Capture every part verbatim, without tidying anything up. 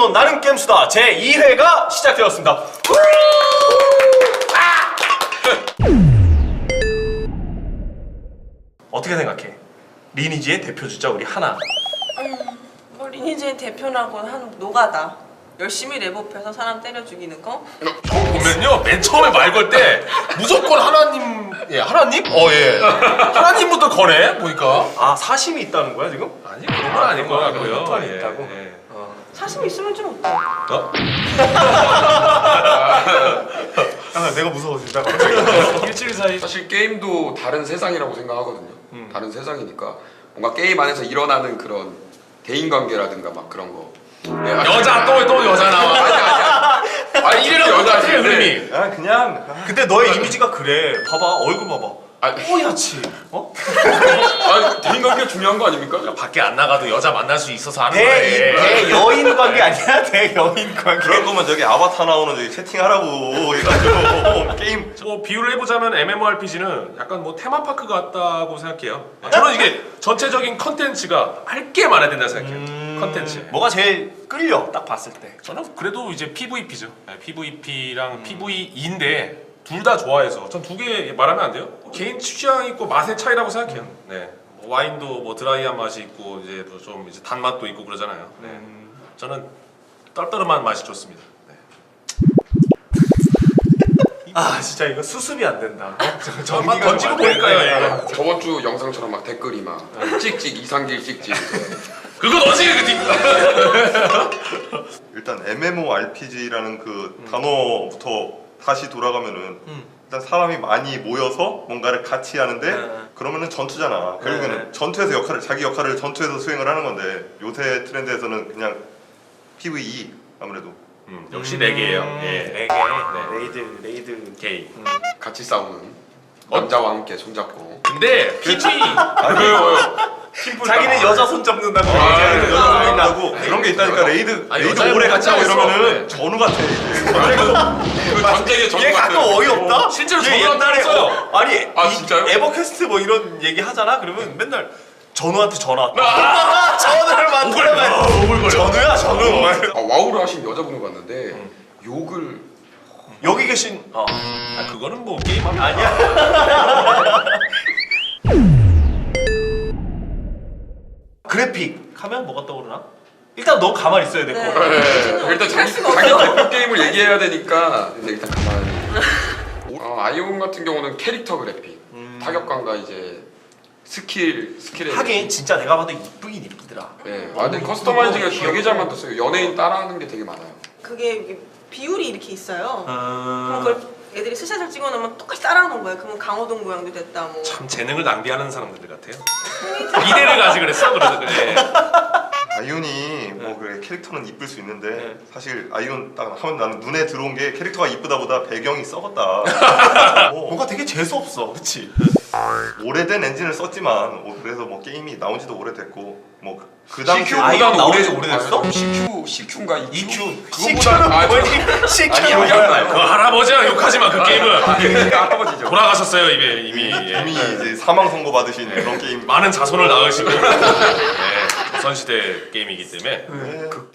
온 나는 게임수다 제이 회가 시작되었습니다. 어떻게 생각해? 리니지의 대표 주자 우리 하나. 음, 뭐 리니지의 대표라고 한 노가다. 열심히 랩업해서 사람 때려 죽이는 거? 형 보면요 맨 처음에 말 걸 때 무조건 하나님 예 하나님 어예 하나님부터 거네 보니까 아 사심이 있다는 거야 지금? 아니 그런 건 아닌 것 같고요. 패턴이 예, 있다고? 예. 어. 사심 있으면 좀 어때? 어? 아, 내가 무서워진다. 일주일 사이 사실 게임도 다른 세상이라고 생각하거든요. 음. 다른 세상이니까 뭔가 게임 안에서 일어나는 그런 대인관계라든가 막 그런 거. 네, 아니, 여자 또 또 여자 나와. 아니 아니 아니 이름이 여자지. 흐름이. 아 그냥. 근데 너의 이미지가 그래. 봐봐 얼굴 봐봐. 아니, 뽀얗지. 어? 아니 대인관계가 중요한 거 아닙니까? 밖에 안 나가도 여자 만날 수 있어서 하는 대, 거예요. 대여인 관계 아니야? 대여인 관계. 그럴 거면 저기 아바타 나오는 저기 채팅하라고 해가지고 게임 뭐 비유를 해보자면 엠엠오알피지는 약간 뭐 테마파크 같다고 생각해요. 저는 이게 전체적인 컨텐츠가 할 게 많아야 된다 생각해요. 음, 컨텐츠. 뭐가 제일 끌려? 딱 봤을 때. 저는 그래도 이제 피브이피죠. 네, 피브이피랑 피브이이인데 둘 다 좋아해서 전 두 개 말하면 안 돼요? 개인 취향 있고 맛의 차이라고 생각해요. 네. 뭐 와인도 뭐 드라이한 맛이 있고 이제 뭐 좀 이제 단맛도 있고 그러잖아요. 네. 저는 떨떠름한 맛이 좋습니다. 네. 아 진짜 이거 수습이 안 된다. 어? 저 한번 던지고 보니까요. 예. 저번 주 영상처럼 막 댓글이 막 찍찍 이상길 찍찍. 그거 너지 그 뒤. 일단 엠엠오알피지라는 그 단어부터 다시 돌아가면은 음. 일단 사람이 많이 모여서 뭔가를 같이 하는데 네. 그러면은 전투잖아. 결국에는 네. 전투에서 역할을 자기 역할을 전투에서 수행을 하는 건데 요새 트렌드에서는 그냥 피브이이 아무래도 음, 역시 네 개예요. 예. 네 개. 네. 레이드 레이드. 게이. 같이 싸우는 남자와 함께 손잡고. 근데 피브이 아니 왜요? 자기는 여자 손 잡는다고. 아, 자기는 여자 여자 손 잡는다고 잡는다고. 그런 게 있다니까. 레이드 아니, 레이드 여자애 오래 같이 하고 혼자 이러면은 있어. 전우 같아 이제. 그 전쟁의 전투 얘 가끔 같은. 어이없다? 실제로 얘 전우한테 옛날에 했어요. 어, 아니 아, 이- 진짜요? 에버퀘스트 뭐 이런 얘기 하잖아? 그러면 맨날 전우한테 전화 왔다. 전우를 만들어가지고 오글거려. 전우야 전우. 아, 와우를 하신 여자분을 봤는데 욕을 여기 계신 어. 아 그거는 뭐 게임하면 아니야. 그래픽 하면 뭐가 떠오르나? 일단 너 가만히 있어야 될 거 네. 같아. 네, 일단 자기, 할 수가 자기 없어. 대표 게임을 얘기해야 되니까 근데 일단 가만히 어, 아이온 같은 경우는 캐릭터 그래픽 타격감과 이제 스킬 스킬에 하긴 진짜 내가 봐도 이쁘긴 이쁘더라. 네, 아, 근데 커스터마이징을 되게 잘 만들었어요. 연예인 따라하는 게 되게 많아요. 그게 이게 비율이 이렇게 있어요. 그럼 음... 그걸 애들이 스샷을 찍어놓으면 똑같이 따라하는 거예요. 그러면 강호동 모양도 됐다 뭐. 참 재능을 낭비하는 사람들 같아요. 이대를 가지 그랬어 그래서 그래. 아이온이 뭐 그래 캐릭터는 이쁠 수 있는데 네. 사실 아이온 딱 하면 나는 눈에 들어온 게 캐릭터가 이쁘다보다 배경이 썩었다. 뭐, 뭔가 되게 재수 없어, 그렇지? 오래된 엔진을 썼지만 어, 그래서 뭐 게임이 나온지도 오래됐고 뭐 그 당시 아이온 나온 지 오래- 오래됐어? 아, 씨큐 씨큐인가 이큐? 이큐. 그거보다 아, 뭐지? 아니, 시큐는 아니, 뭐야? 그 할아버지야 욕하지 마 그 게임은. 아, 그 할아버지죠. 돌아가셨어요 이미 이미. 예. 이미 이제 사망 선고 받으신 그런 게임. 많은 자손을 낳으시고. 네, 조선시대 게임이기 때문에. 네. 극-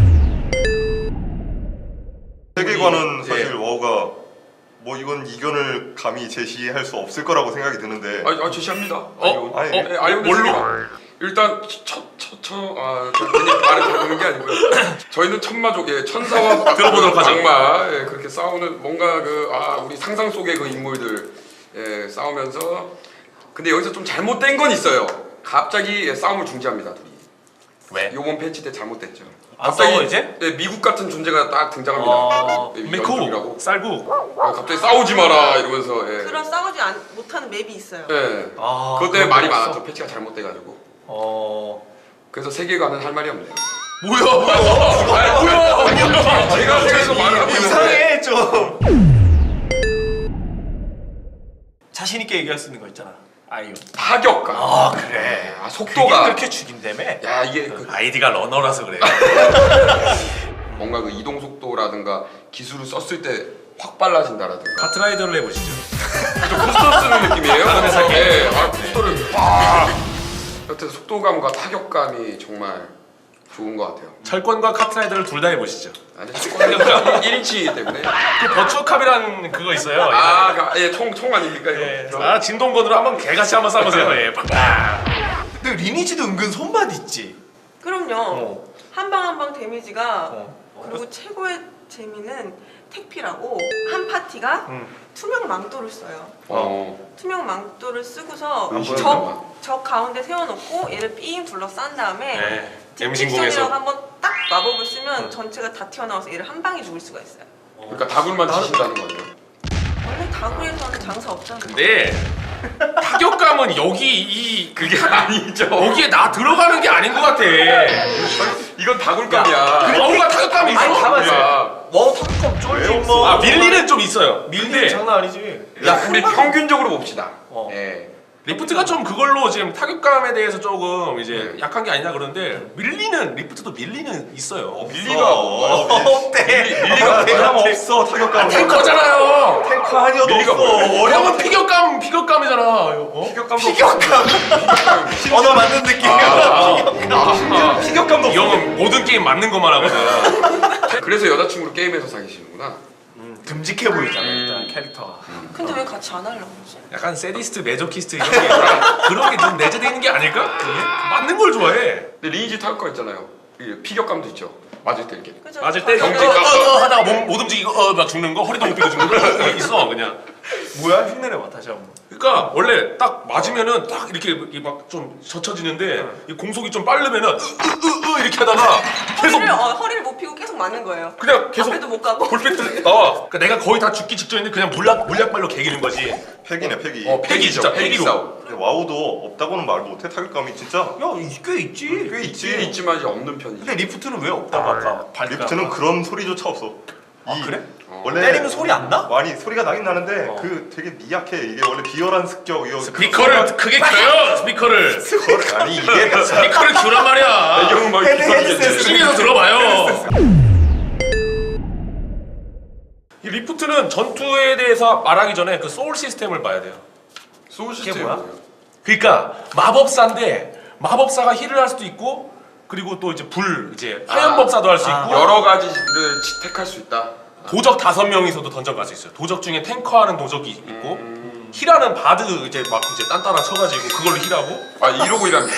세계관은 예. 사실 와우가 뭐 이건 이견을 감히 제시할 수 없을 거라고 생각이 드는데. 아, 아 제시합니다. 어? 아니, 네, 아이온 뭘로? 세계관. 일단 첫첫첫아 괜히 말을 들어보는 게 아니고요. 저희는 천마족 예 천사와 들어보도록 하죠. 악마 예, 그렇게 싸우는 뭔가 그 아 우리 상상 속의 그 인물들 예 싸우면서 근데 여기서 좀 잘못된 건 있어요. 갑자기 예, 싸움을 중지합니다 둘이. 왜? 요번 패치 때 잘못됐죠. 안 싸워 이제? 예, 미국 같은 존재가 딱 등장합니다. 어, 예, 메코 연중이라고. 쌀국. 아, 갑자기 싸우지 마라 이러면서 예. 그런 싸우지 안, 못하는 맵이 있어요. 예. 아, 그것 때문에 말이 없어? 많았죠. 패치가 잘못돼가지고. 어. 그래서 세계관은 할 말이 없네요. 뭐야 뭐야. 아니 뭐야. 제가 생각해서 말을 하고 있는데 이상해 좀. 자신 있게 얘기할 수 있는 거 있잖아. 아이온. 타격감. 아 그래. 아, 그게 속도가. 그렇게 죽인다며? 야 이게 그 아이디가 러너라서 그래. 뭔가 그 이동 속도라든가 기술을 썼을 때 확 빨라진다라든가. 카트라이더를 해보시죠. 좀 부스터 쓰는 느낌이에요. 그래서 네, 아 부스터를 빡. 여튼 속도감과 타격감이 정말 좋은 것 같아요. 철권과 카트라이더를 둘 다 해보시죠. 아니 축구는 일 인치이기 때문에. 그 버추어캅이라는 그거 있어요. 아, 그, 예, 총, 총 아닙니까 이거? 예. 아 진동건으로 한번 개같이 한번 쏴보세요. 예. 빡빡. 근데 리니지도 은근 손맛 있지. 그럼요. 어. 한 방 한 방 데미지가 어. 그리고 최고의 재미는 택피라고 한 파티가 음. 투명 망토를 써요. 어. 투명 망토를 쓰고서 안 보여요, 적, 적 가운데 세워놓고 얘를 삥 둘러싼 다음에 네. 딕틱션이라고 엠신공에서 한번 딱 마법을 쓰면 전체가 다 튀어나와서 얘를 한 방에 죽일 수가 있어요. 그러니까 다굴만 치신다는 거예요. 원래 다구에서는 장사 없잖아요. 근데 타격감은 여기 이 그게 아니죠. 여기에 나 들어가는 게 아닌 것 같아. 이건 다굴감이야. 뭔가 타격감이 있어. 아니, 가만히 있어. 야, 와 탑컵 쫄지 왜 뭐. 아 밀리는 좀 있어요. 밀리는 근데 장난 아니지. 야, 우리 평균적으로 봅시다. 어. 예. 리프트가 좀 그걸로 지금 타격감에 대해서 조금 이제 네. 약한 게 아니냐 그러는데 밀리는 리프트도 밀리는 있어요. 밀리가 뭐? 없대. 밀리가 대감 뭐야? 없어 타격감. 탱커잖아요. 탱커 아니어도 밀리가 없어. 뭐야? 어려운 피격감 피격감이잖아. 어? 피격감도 피격감. 언어 맞는 느낌. 아, 피격감도 이 형은 모든 게임 맞는 것만 하거든. 그래서 여자친구를 게임에서 사귀시는구나. 듬직해 보이잖아 음. 일단 캐릭터가. 근데 왜 같이 안 하려고 그러지? 약간 세디스트, 메조키스트 이런 게 그런 게 좀 내재되어 있는 게 아닐까? 그게? 맞는 걸 좋아해. 근데 리니지 타격감 있잖아요. 이 피격감도 있죠. 맞을 때 이렇게. 그죠? 맞을 때 가격이- 경직 어, 어, 하다가 몸, 못 움직이고 어, 막 죽는 거, 허리도 못 펴고 죽는 거 이거 있어 그냥. 뭐야 흉내내봐 다시 한번. 그러니까 원래 딱 맞으면은 딱 이렇게 막 좀 젖혀지는데 이 공속이 좀 빠르면은 으으으으 이렇게 하다가 계속 허리를, 어, 허리를 못 피고 계속 맞는 거예요. 그냥 계속 앞에도 못 가고. 볼펜트 나와. 그러니까 내가 거의 다 죽기 직전인데 그냥 물약 물약발로 개기는 거지. 팩이네 팩이. 어, 팩이 팩이죠. 진짜 팩이 팩이로. 싸움. 근데 와우도 없다고는 말 못해 타격감이 진짜 야꽤 있지. 꽤 있긴 있지. 있지만 이제 없는 편이죠. 근데 리프트는 왜 없다고 아까 발가. 리프트는 그런 소리조차 없어. 아 이- 그래? 어. 원래 때리면 소리 안 나? 많이 소리가 나긴 나는데 어. 그 되게 미약해. 이게 원래 비열한 습격 이거 스피커를 크게 켜요. 스피커를 그걸 아니 이게 스피커를 켜란 말이야. 배경은 막 헤드, 이렇게 헤드셋으로. 중에서 들어봐요. 이 리프트는 전투에 대해서 말하기 전에 그 소울 시스템을 봐야 돼요. 소울 그게 시스템이 뭐야? 뭐예요? 그러니까 마법사인데 마법사가 힐을 할 수도 있고 그리고 또 이제 불 이제 화염법사도 할 수 아. 있고 여러 가지를 택할 수 있다. 도적 다섯 명이서도 던전 갈 수 있어요. 도적 중에 탱커하는 도적이 있고 음. 힐하는 바드 이제 막 이제 딴따라 쳐가지고 그걸로 힐하고. 아 이러고 일합니까?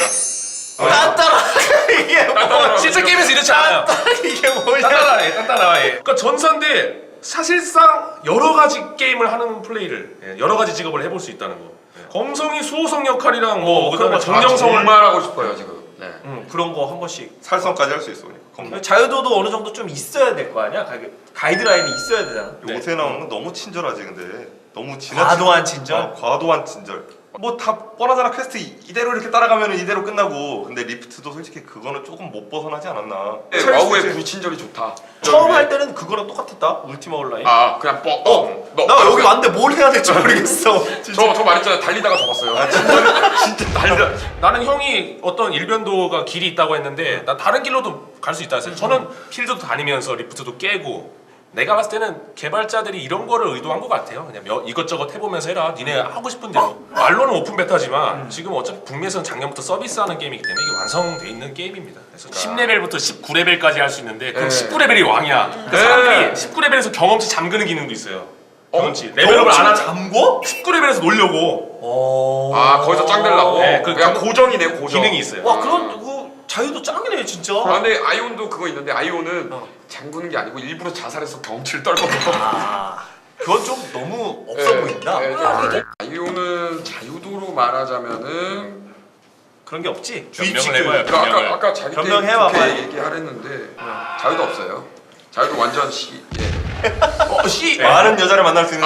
딴따라 이게 뭐? 실제 게임에서 이렇지 않아요. 이게 뭐야? 딴따라 해, 딴따라 해. 그러니까 전사인데 사실상 여러 가지 게임을 하는 플레이를 예, 여러 가지 직업을 해볼 수 있다는 거. 예. 검성이 수호성 역할이랑 뭐 어, 그다음에 그런 거 정령성을 정말 하고 싶어요 지금. 네. 응 그런 거 한 번씩. 살성까지 할 수 있어. 그러니까. 검- 자유도도 어느 정도 좀 있어야 될 거 아니야? 가이드- 가이드라인이 있어야 되잖아. 네. 요새 나오는 건 너무 친절하지 근데 너무 지나치 과도한 친절? 어, 과도한 친절. 뭐 다 뻔하잖아. 퀘스트 이- 이대로 이렇게 따라가면 이대로 끝나고. 근데 리프트도 솔직히 그거는 조금 못 벗어나지 않았나. 네, 와우의 불친절이 좋다. 처음 할 때는 그거랑 똑같았다. 울티마 온라인. 아 그냥 뻑. 어. 너, 나 여기 왔는데 뭘 해야 될지 모르겠어. 진짜. 저저 말했잖아요. 달리다가 접었어요. 아 진짜 진짜 달려. 나는 형이 어떤 일변도가 길이 있다고 했는데 난 다른 길로도 갈 수 있다 했어요. 저는 필드도 다니면서 리프트도 깨고 내가 봤을 때는 개발자들이 이런 거를 의도한 것 같아요. 그냥 몇- 이것저것 해보면서 해라. 니네 하고 싶은 대로. 말로는 오픈 베타지만 지금 어차피 북미에서는 작년부터 서비스하는 게임이기 때문에 이게 완성돼 있는 게임입니다. 그래서 십 레벨부터 십구 레벨까지 할 수 있는데 그럼 네. 십구 레벨이 왕이야. 그러니까 네. 사람들이 십구 레벨에서 경험치 잠그는 기능도 있어요. 경험치. 어? 레벨업을 안 하는 잠궈? 십구 레벨에서 놀려고 어. 아 거기서 짱 되려고. 네, 그 그냥 그- 고정이네 고정. 기능이 있어요. 와 그런 그 자유도 짱이네 진짜. 아 근데 아이온도 그거 있는데 아이온은 어. 잠그는 게 아니고 일부러 자살해서 경치를 떨거든요. 아 그건 좀 너무 없어 네, 보인다. 네, 뭐야, 네. 아이온은 자유도로 말하자면은 그런 게 없지. 변명을 해봐요. 그 아까 변명을. 아까 자기 때 변명해봐, 그렇게 빨리. 얘기하랬는데 자유도 없어요. 자유도 완전 시. 예. 어 씨. 많은 여자를 만날 수 있는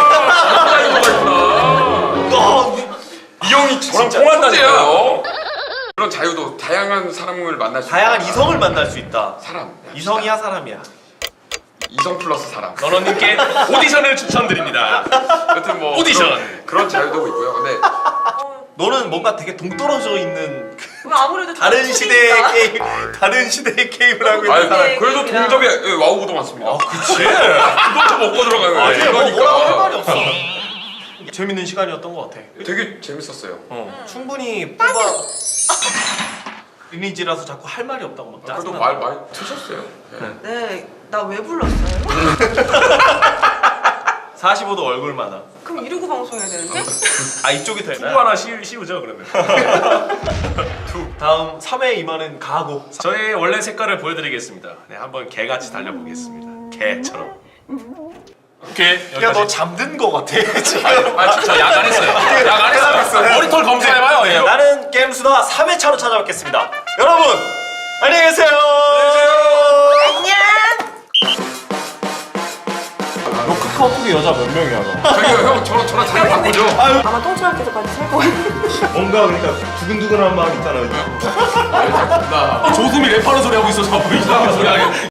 아 자유도가 있구나. 너 이 형이 저랑 진짜 통한다니까요. 그런 자유도 다양한 사람을 만날 수 다양한 있다. 이성을 만날 수 있다. 사람 이성이야 사람이야. 이성 플러스 사람. 너너님께 오디션을 추천드립니다. 여튼 뭐 오디션. 그런, 그런 자유도가 있고요. 근데 어, 너는 뭔가 되게 동떨어져 있는 그 왜 아무래도 다른 좀 시대의 풀리니까. 게임, 다른 시대의 게임을 하고 아니 있는 사람. 그래도 게임이랑. 동접에 예, 와우보도 많습니다. 아 그치. 그것도 먹고 들어가요. 아니 뭐 뭐라고 할 말이 이거니까. 없어. 재밌는 시간이었던 것 같아. 되게 재밌었어요. 어, 충분히 뽑아 리니지라서 자꾸 할 말이 없다고 막 그래도 짜증나. 말 많이 트셨어요. 네. 네, 나 왜 불렀어요? 사십오 도 얼굴마다. 그럼 이러고 방송해야 되는데? 아 이쪽이 투구 되나요? 하나 씌우, 씌우죠 그러면. 다음 삼 회 임하는 가고. 저의 원래 색깔을 보여드리겠습니다. 네, 한번 개같이 달려보겠습니다. 개처럼. 오케이. 야 여기까지. 너 잠든 거 같아 지금. 아 진짜 약 안 했어요. 약 안 했어요. 머리털 검사해봐요. 예. 나는 게임수다 삼 회차로 찾아뵙겠습니다. 여러분 안녕히 계세요. 안녕! 너 카카오톡에 여자 몇 명이야 너? 저기요 형 저랑 저랑 자리 바꾸죠. 아마 똥칠할 때까지 살 거야. 뭔가 그러니까 두근두근한 마음 있잖아요. 나 조수미 랩하는 소리 하고 있어서 뭐 이상한 소리 하게.